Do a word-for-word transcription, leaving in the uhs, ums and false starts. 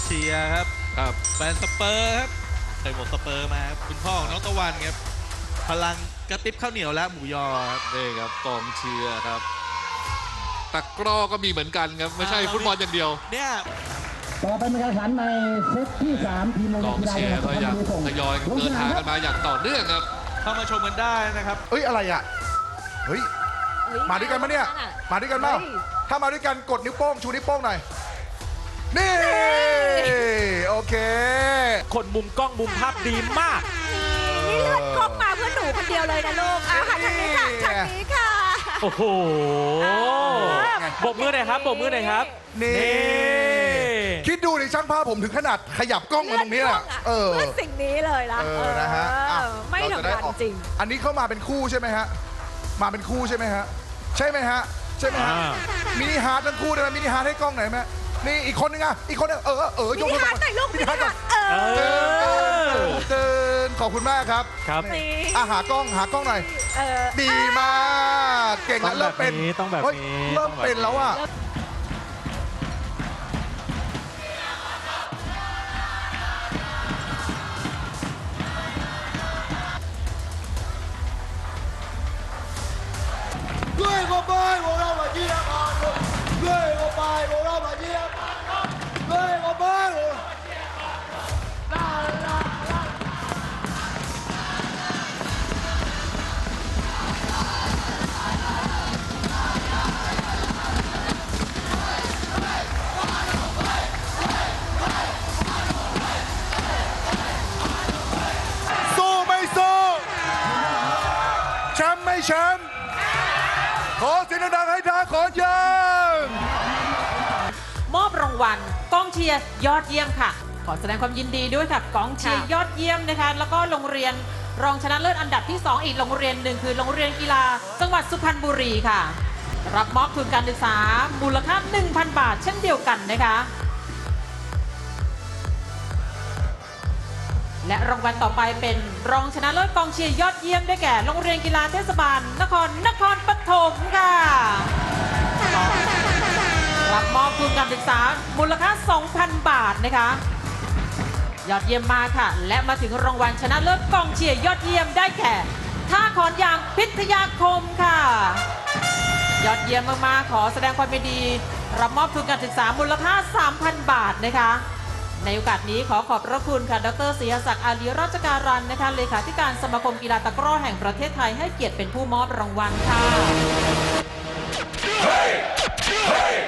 เชียร์ครับครับแฟนสเปอร์ครับใส่หมวกสเปอร์มาครับคุณพ่อของน้องตะวันครับพลังกระติบข้าวเหนียวและหมูยอครับนี่ครับกองเชียร์ครับตะกร้อก็มีเหมือนกันครับไม่ใช่ฟุตบอลอย่างเดียวเนี่ยต่อไปเป็นการแข่งขันในเซตที่สามทีมกองเชียร์ก็ยังทยอยเดินทางกันมาอย่างต่อเนื่องครับเข้ามาชมกันได้นะครับเอ้ยอะไรอ่ะเฮ้ยมาด้วยกันปะเนี่ยมาด้วยกันเปล่าถ้ามาด้วยกันกดนิ้วโป้งชูนิ้วโป้งหน่อยนี่โอเคคนมุมกล้องมุมภาพดีมากนี่เลือดกล้องมาเพื่อหนูคนเดียวเลยนะลูกอ่ะทางนี้ค่ะทางนี้ค่ะโอ้โหบกมือหน่อยครับบกมือหน่อยครับนี่คิดดูดิช่างภาพผมถึงขนาดขยับกล้องมาตรงนี้แหละเออเพื่อสิ่งนี้เลยนะเออนะฮะไม่ธรรมดาจริงอันนี้เข้ามาเป็นคู่ใช่ไหมฮะมาเป็นคู่ใช่ไหมฮะใช่ไหมฮะใช่ไหมฮะมินิฮาร์ดทั้งคู่ได้ไหมมินิฮาร์ดให้กล้องหน่อยไหมนี่อีกคนนึงอ่ะอีกคนนึงเออเออยกมือมินิฮาร์ดหน่อยลูกมินิฮาร์ดเออเดินขอบคุณมากครับครับอ่ะหากล้องหากล้องหน่อยดีมากเก่งแล้วเริ่มเป็นต้องแบบนี้เริ่มเป็นแล้วอ่ะด้วยก็ไปพวกเรามาเยี่ยมกันด้วยก็ไปพวกเรามาเยี่ยมด้วยก็ไปลาลาลาสู้ไม่สู้แชมป์ไม่แชมป์ขอเสียงดังๆให้ทางขอยังมอบรางวัลกองเชียร์ยอดเยี่ยมค่ะขอแสดงความยินดีด้วยค่ะกองเชียร์ยอดเยี่ยมนะคะแล้วก็โรงเรียนรองชนะเลิศอันดับที่สองอีกโรงเรียนหนึ่งคือโรงเรียนกีฬาจังหวัดสุพรรณบุรีค่ะรับมอบทุนการศึกษามูลค่า หนึ่งพัน บาทเช่นเดียวกันนะคะและรางวัลต่อไปเป็นรองชนะเลิศกองเชียร์ยอดเยี่ยมได้แก่โรงเรียนกีฬาเทศบาลนครนครปฐมค่ะรับมอบทุนการศึกษามูลค่า สองพัน บาทนะคะยอดเยี่ยมมากค่ะและมาถึงรางวัลชนะเลิศกองเชียร์ยอดเยี่ยมได้แก่ท่าขอนยางพิทยาคมค่ะยอดเยี่ยมมากๆขอแสดงความยินดีรับมอบทุนการศึกษามูลค่า สามพัน บาทนะคะในโอกาสนี้ขอขอบพระคุณค่ะดร.ศรีศักดิ์อาลีราชการันนะคะเลขาธิการสมาคมกีฬาตะกร้อแห่งประเทศไทยให้เกียรติเป็นผู้มอบรางวัลค่ะ